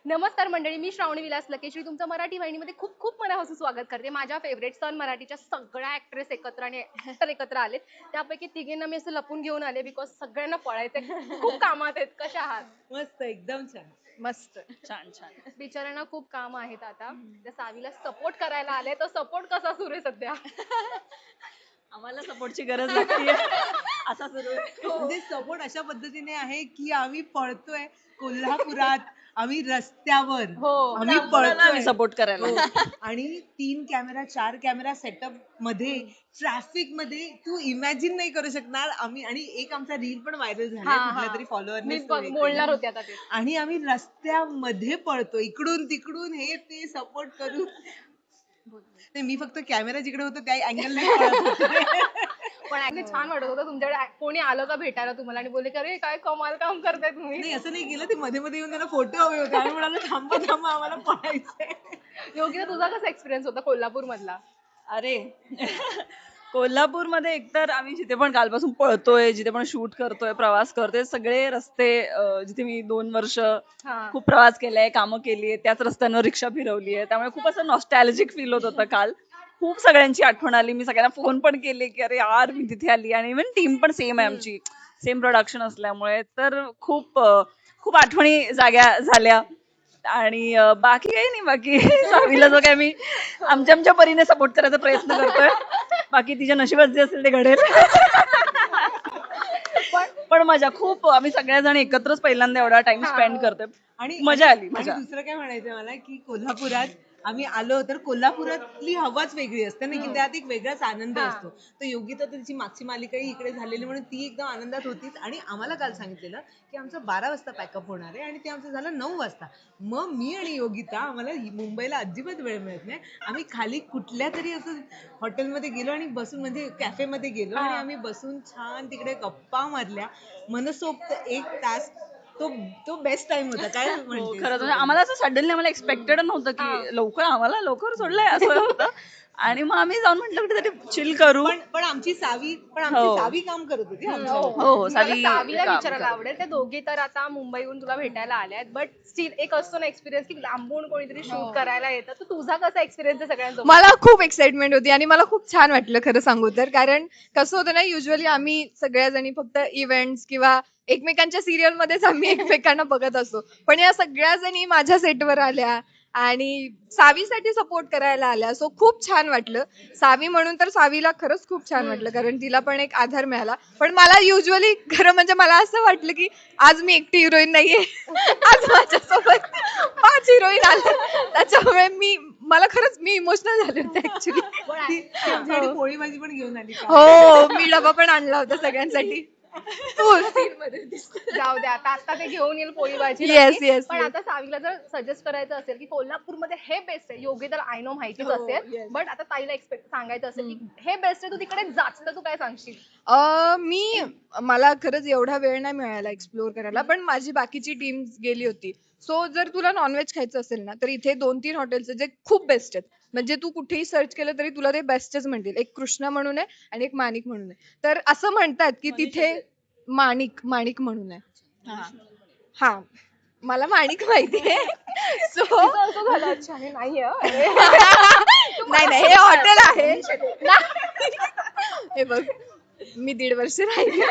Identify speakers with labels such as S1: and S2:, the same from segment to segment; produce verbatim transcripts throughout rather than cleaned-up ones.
S1: नमस्कार मंडळी, मी श्रावणी विलास लकेश्री तुमचं मराठी वाहिनीमध्ये खूप खूप मनापासून स्वागत करते. माझ्या फेवरेट सन मराठीच्या सगळ्या ऍक्ट्रेस एकत्र आणि ऍक्टर एकत्र आलेत. त्यापैकी तिघींना मी असं लपून घेऊन आले बिकॉज सगळ्यांना पळायचंय, खूप कामात आहेत. कशा आहात?
S2: मस्त, एकदम छान.
S1: मस्त,
S3: छान छान.
S1: बिचाऱ्यांना खूप काम आहेत. आता त्या सावीला सपोर्ट करायला आले, तर सपोर्ट कसा सुरू आहे सध्या?
S3: आम्हाला सपोर्टची गरज लागते असा सुरू आहे.
S2: म्हणजे सपोर्ट अशा पद्धतीने आहे की आम्ही पळतोय कोल्हापुरात, आम्ही रस्त्यावर
S1: हो,
S2: आम्ही
S3: आम्ही
S2: पळतोय
S3: सपोर्ट करायला.
S2: हो. आणि तीन कॅमेरा चार कॅमेरा सेटअप मध्ये ट्रॅफिक मध्ये तू इमॅजिन नाही करू शकणार. आम्ही आणि एक आमचा रील पण व्हायरल झाला
S1: हा,
S2: कुठल्या
S1: हा.
S2: तरी फॉलोअर
S1: मी बघ- बोलणार होते आता ते.
S2: आणि आम्ही रस्त्यामध्ये पळतो इकडून तिकडून हे ते सपोर्ट करून. नाही, मी फक्त कॅमेरा जिकडे होता त्या अँगल नाही पळत होते.
S1: पण actually छान वाटत होतं. तुमच्याकडे कोणी आलं का भेटायला तुम्हाला आणि बोलले की अरे काय कमाल काम करताय तुम्ही?
S2: नाही, असं नाही केलं. ते मध्ये मध्ये येऊन त्यांना फोटो हवे होते आणि म्हणाले थांबा थांबा आम्हाला पळायचंय.
S1: योगिता, तुझा कसा एक्सपिरियन्स होता कोल्हापूर मधला?
S3: अरे कोल्हापूरमध्ये एकतर आम्ही जिथे पण कालपासून पळतोय, जिथे पण शूट करतोय, प्रवास करतोय, सगळे रस्ते अं, जिथे मी दोन वर्ष
S1: हा.
S3: खूप प्रवास केलाय, कामं केली आहे, त्याच रस्त्यांवर रिक्षा फिरवली आहे. त्यामुळे खूप असं नॉस्टॅल्जिक फील होत होतं काल. खूप सगळ्यांची आठवण आली. मी सगळ्यांना फोन पण केले की अरे यार मी तिथे आली. आणि इव्हन टीम पण सेम आहे आमची, सेम प्रोडक्शन असल्यामुळे तर खूप अं, खूप आठवणी जाग्या झाल्या. आणि अं, बाकी काही नाही. बाकी सावीला जो काय मी आमच्या आमच्या परीने सपोर्ट करायचा प्रयत्न करतोय. बाकी तिच्या नशिबात जे असेल ते घडेल. पण पण मजा खूप, आम्ही सगळ्याजण एकत्रच पहिल्यांदा एवढा टाइम स्पेंड करतोय.
S2: आणि
S3: मजा आली,
S2: आणि
S3: मजा.
S2: दुसरं काय म्हणायचं मला की कोल्हापुरात आम्ही आलो तर कोल्हापुरातली हवाच वेगळी असते ना की त्यात एक वेगळाच आनंद
S1: हा.
S2: असतो. तर योगिता तर तिची मागची मालिकाही इकडे झालेली म्हणून ती एकदम आनंदात होतीच. आणि आम्हाला काल सांगितलेलं की आमचं बारा वाजता पॅकअप होणार आहे आणि ते आमचं झालं नऊ वाजता. मग मी आणि योगिता आम्हाला हि- मुंबईला अजिबात वेळ मिळत नाही. आम्ही खाली कुठल्या तरी असं हॉटेलमध्ये गेलो आणि बसून म्हणजे कॅफेमध्ये गेलो आणि आम्ही बसून छान तिकडे गप्पा मारल्या मनसोक्त एक तास. तो तो बेस्ट टाइम होता. काय
S3: हो,
S2: म्हणते
S3: खरंच म्हणजे आम्हाला असं सडनली आम्हाला एक्सपेक्टेड नव्हतं की लवकर आम्हाला लवकर सोडलंय असं होतं. आणि मग आम्ही जाऊन म्हटलं कुठेतरी चिल करू.
S2: पण पण आमची सावी पण आमची
S3: हो.
S2: सावी काम करत होती आमच्या
S1: हो,
S3: हो, हो,
S1: मला
S3: सावी
S1: सावीला
S3: काम
S1: विचारायला
S3: करत
S1: आवडेल. त्या दोघी तर आता मुंबईहून तुला भेटायला आल्या आहेत, बट स्टील एक असतो ना एक्सपिरियन्स की लांबून कोणीतरी शूट करायला येतं. तर तुझा कसा एक्सपिरियन्स आहे सगळ्यांसोबत?
S4: मला खूप एक्साइटमेंट होती आणि मला खूप छान वाटलं खरं सांगू तर. कारण कसं होतं ना, युजली आम्ही सगळ्या जणी फक्त इव्हेंट्स किंवा एकमेकांच्या सिरियल मध्येच आम्ही एकमेकांना बघत असतो. पण या सगळ्या जणी माझ्या सेटवर आल्या आणि सावीसाठी सपोर्ट करायला आल्या. सो खूप छान वाटलं. सावी म्हणून तर सावीला खरंच खूप छान वाटलं, कारण तिला पण एक आधार मिळाला. पण मला युजली खरं म्हणजे मला असं वाटलं की आज मी एकटी हिरोईन नाहीये. आज माझ्यासोबत पाच हिरोईन आल्या. त्याच्यामुळे मी मला खरंच मी इमोशनल झाले होते ऍक्च्युली.
S2: ती ती आमच्यासाठी पोळी भाजी पण घेऊन आली का?
S4: हो, मी डबा पण आणला होता सगळ्यांसाठी. हो, scene मध्ये दिसतं.
S1: जाऊ दे, आता आता ते घेऊन येईल पोळी भाजी
S4: Yes,
S1: नक्की.
S4: yes,
S1: पण
S4: yes.
S1: आता सावीला जर सजेस्ट करायचं असेल की कोल्हापूरमध्ये हे बेस्ट आहे, योग्य तर आय नो माहितीच
S4: हो,
S1: असेल,
S4: yes.
S1: बट आता ताईला एक्सपेक्ट सांगायचं असेल की हे बेस्ट आहे, तू तिकडे जाच, तर तू काय सांगशील?
S4: अं, मी मला खरंच एवढा वेळ नाही मिळाला एक्सप्लोर करायला, पण माझी बाकीची टीम गेली होती. सो जर तुला नॉनव्हेज खायचं असेल ना, तर इथे दोन तीन हॉटेल्स जे खूप बेस्ट आहेत. म्हणजे तू कुठेही सर्च केलं तरी तुला ते बेस्टच म्हणतील. एक कृष्णा म्हणून आहे आणि एक माणिक म्हणून आहे. तर असं म्हणतात की तिथे माणिक माणिक म्हणून आहे. हा हा मला माणिक माहितीये. सो
S1: तिचं असं झालं, अच्छा हे नाहीये हं. अरे.
S4: नाही नाही, हे हॉटेल आहे. हे बघ, मी दीड वर्ष राहिले.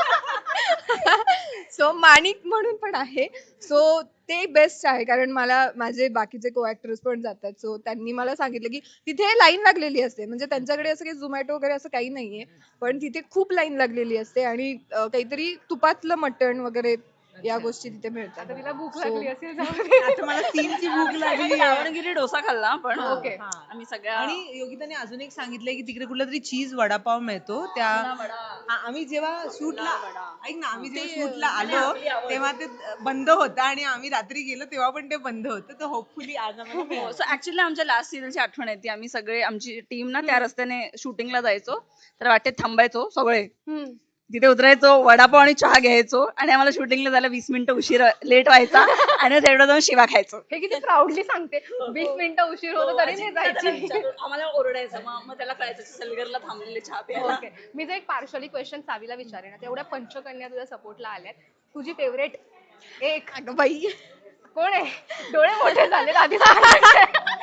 S4: सो माणिक म्हणून पण आहे. सो ते बेस्ट आहे, कारण मला माझे बाकीचे को ऍक्टर्स पण जातात. सो त्यांनी मला सांगितलं की तिथे लाईन लागलेली असते. म्हणजे त्यांच्याकडे असं काही झोमॅटो वगैरे असं काही नाहीये, पण तिथे खूप लाईन लागलेली असते आणि अं, काहीतरी तुपातलं मटण वगैरे या गोष्टी तिथे मिळतात.
S1: आता तिला भूक
S4: So-
S1: लागली असेल, जाऊ दे.
S2: आता मला सीनची भूक लागली आहे.
S3: दावणगिरी डोसा खाल्ला पण
S1: ओके.
S2: हा.
S3: आम्ही सगळ्या
S2: आणि योगिताने अजून एक सांगितलंय की तिकडे कुठला तरी चीज वडापाव मिळतो. त्या हा, आम्ही जेव्हा शूटला ऐक ना आम्ही जेव्हा शूटला आलो तेव्हा ते बंद होतं आणि आम्ही रात्री गेलो तेव्हा पण ते बंद होतं. तर होपफुली आज आम्हाला मिळालं.
S3: सो ऍक्च्युअली आमच्या लास्ट सिरियलची आठवण येते. आम्ही सगळे आमची टीम ना त्या रस्त्याने शूटिंगला जायचो, तर वाटेत थांबायचो सगळे,
S1: हम्म.
S3: तिथे उतरायचो, वडापाव आणि चहा घ्यायचो आणि आम्हाला शूटिंगला जायला वीस मिनिटं उशीर लेट व्हायचा आणि थेटर जाऊन शिवा खायचो.
S1: हे किती प्राऊडली सांगते. वीस मिनिटं उशीर होतो तरी नाही जायची.
S3: आम्हाला ओरडायचं, मग मग त्याला कळायचं सलगरला थांबलेले चहा प्यायला.
S1: ओके, मी जर एक पार्शली क्वेश्चन सावीला विचारेन. आता एवढ्या पंचकन्या तुझ्या सपोर्टला आल्यात, तुझी फेवरेट एक
S4: अगं बाई,
S1: कोण आहे? डोळे मोठे झाले आधी सांगायचे.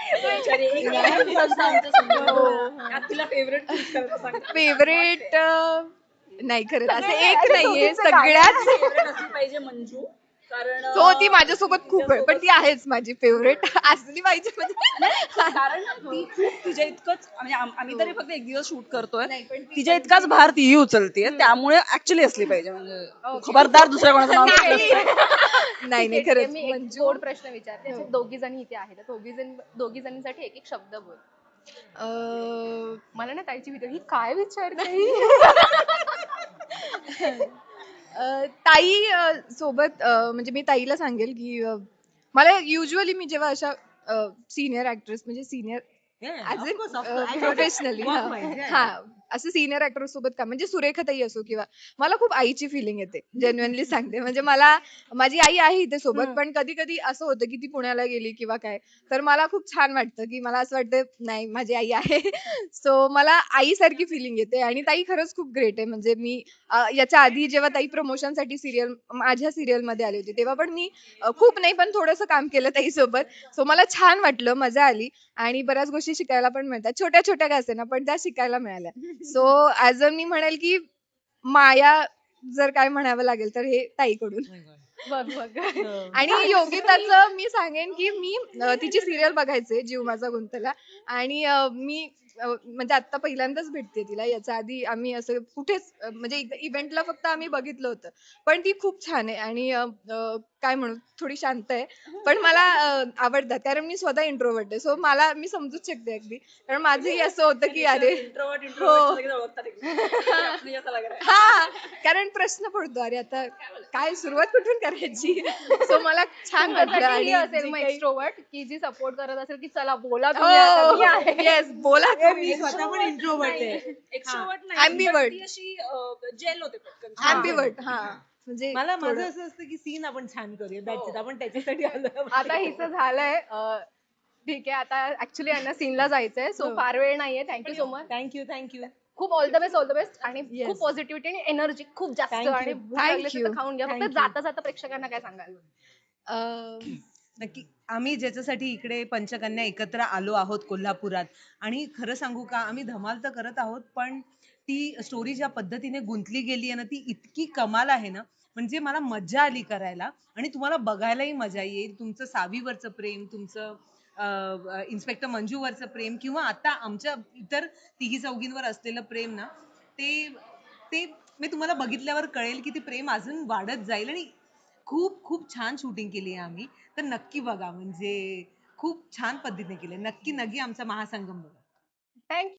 S3: फेवरेट
S4: फेवरेट नाही खरंच असं
S1: सगळे
S4: एक
S1: असे
S4: नाहीये
S1: दोघींचे गाणे.
S4: सगळ्यात
S3: असली पाहिजे मंजू, कारण
S4: हो ती माझ्यासोबत खूप आहे पण ती आहेच माझी फेवरेट असली पाहिजे म्हणजे
S3: कारण ती खूप तिच्या इतकंच म्हणजे आम- आम्ही तरी फक्त एक दिवस शूट करतोय,
S4: नाही, पण ती
S3: तिच्या इतकाच भार तीही उचलते, त्यामुळे ऍक्च्युली असली पाहिजे म्हणजे खबरदार दुसऱ्या कोणाचं नाव घेतलं
S4: नाही नाही नाही
S1: ठीक आहे,
S4: खरंच
S1: मी एक
S4: मंजू
S1: गोड प्रश्न विचारते.
S4: हो.
S1: दोघी जणी इथे आहेत दोघी जण दोघी जणींसाठी एक एक शब्द बोल.
S4: अं,
S1: मला ना ताईची भीती ही काय विचारते ही?
S4: अं, ताई अं, सोबत अं, म्हणजे मी ताईला सांगेल की अं, मला युजली मी जेव्हा अशा सिनियर ऍक्ट्रेस म्हणजे सिनियर ऍज इन प्रोफेशनली हा असं सिनियर ऍक्टर सोबत का म्हणजे सुरेखाताई असो किंवा मला खूप आईची फिलिंग येते जेन्युअनली सांगते म्हणजे मला माझी आई आहे इथे सोबत पण कधी कधी असं होतं की ती पुण्याला गेली किंवा काय तर मला खूप छान वाटतं की मला असं वाटतं नाही माझी आई आहे सो मला आईसारखी फिलिंग येते आणि ताई खरंच खूप ग्रेट आहे म्हणजे मी अं, याच्या आधी जेव्हा ताई प्रमोशनसाठी सिरियल माझ्या सिरियल मध्ये आली होती तेव्हा पण मी अं, खूप नाही पण थोडंसं काम केलं ताई सोबत सो मला छान वाटलं मजा आली आणि बऱ्याच गोष्टी शिकायला पण मिळतात छोट्या छोट्या का असेना पण त्या शिकायला मिळाल्या सो ऍज अ मी म्हणेल की माया जर काय म्हणावं लागेल तर हे ताईकडून
S1: बघ बघ
S4: आणि योगिताचं मी सांगेन की मी अं, तिची सिरियल बघायचे जीव माझा गुंतला आणि अं, मी अं, म्हणजे आता पहिल्यांदाच भेटते तिला याच्या आधी आम्ही असं कुठेच अं, म्हणजे इव्हेंटला फक्त आम्ही बघितलं होतं पण ती खूप छान आहे आणि अं, अं, काय म्हणू थोडी शांत आहे पण मला अं, आवडतात कारण मी स्वतः इंट्रोवर्ट आहे सो मला मी समजूच शकते अगदी कारण माझंही असं होतं की अरे हो हा कारण प्रश्न पडतो अरे आता काय सुरुवात कुठून करायची सो मला छान वाटलं
S1: तुमच्यासाठी ही
S4: आणि
S1: असेल
S4: जे
S1: मग
S4: काही-
S1: एक्स्ट्रोवर्ट की जी सपोर्ट करत असेल की चला बोला तुम्ही आता मी आहे.
S4: हो येस बोला
S2: मी
S4: तुम्ही
S2: स्वतः पण इंट्रोवर्ट आहे
S3: एक्स्ट्रोवर्ट
S4: Ambivert.
S3: ती अशी जेल होते पटकन.
S4: ऍम्बिवर्ट हा म्हणजे
S2: मला माझं
S4: थोडं-
S2: असं असतं की सीन आपण छान करूया दॅट्स आपण त्याच्यासाठी आलो
S1: आता हिचं झालंय अं, ठीक आहे आता ऍक्च्युली यांना सीनला जायचंय सो
S4: हो.
S1: फार वेळ नाहीये thank you so much
S2: thank you thank you
S1: खूप all the best all the best आणि
S4: Yes.
S1: खूप पॉझिटिव्हिटी आणि एनर्जी खूप जास्त
S2: Thank you.
S1: आणि भूक
S4: Thank
S1: लागली असेल तर
S4: you.
S1: खाऊन घ्या फक्त
S2: Thank you.
S1: जाता जाता प्रेक्षकांना काय सांगाल
S4: अं,
S2: नक्की आम्ही ज्याच्यासाठी इकडे पंचकन्या एकत्र आलो आहोत कोल्हापुरात आणि खरं सांगू का आम्ही धमाल तर करत आहोत पण ती स्टोरी ज्या पद्धतीने गुंतली गेली आहे ना ती इतकी कमाल आहे ना म्हणजे मला मजा आली करायला आणि तुम्हाला बघायलाही मजा येईल तुमचं सावीवरचं प्रेम तुमचं इन्स्पेक्टर मंजूवरचं प्रेम किंवा आता आमच्या इतर तिघी चौघींवर असलेलं प्रेम ना ते ते मी तुम्हाला बघितल्यावर कळेल की ते प्रेम अजून वाढत जाईल आणि खूप खूप छान शूटिंग केली आहे आम्ही तर नक्की बघा म्हणजे खूप छान पद्धतीने केले नक्की नक्की आमचा महासंगम बघा
S1: थँक्यू